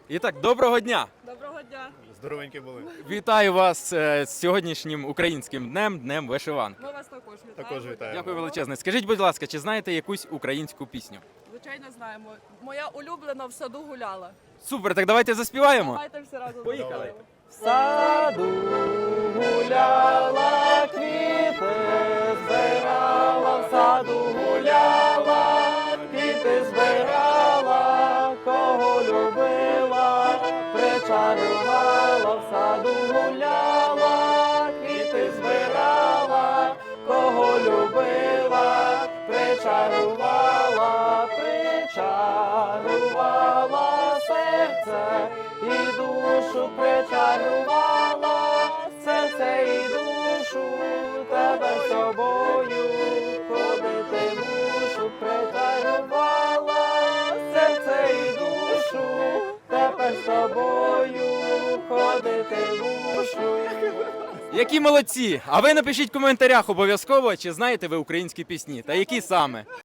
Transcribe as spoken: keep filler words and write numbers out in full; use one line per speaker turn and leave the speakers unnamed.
І так, доброго дня!
Доброго дня.
Здоровенькі були.
Вітаю вас е, з сьогоднішнім українським днем, днем вишиванки.
Ми вас також вітаємо.
Також вітаємо.
Дякую величезне. Скажіть, будь ласка, чи знаєте якусь українську пісню?
Звичайно, знаємо. Моя улюблена в саду гуляла.
Супер, так давайте заспіваємо.
Давайте всі разом.
Поїхали.
заспіваємо.
В саду гуляла, квіти збирала, в саду гуляла, квіти збирала, кого любила, причарувала, в саду гуляла, квіти збирала, кого любила, причарувала, причарувала серце і душу причарувала, серце і душу, тебе з собою ходити мушу, причарувала, серце і душу, тебе з тобою ходити мушу. Які молодці! А ви напишіть в коментарях обов'язково, чи знаєте ви українські пісні, та які саме.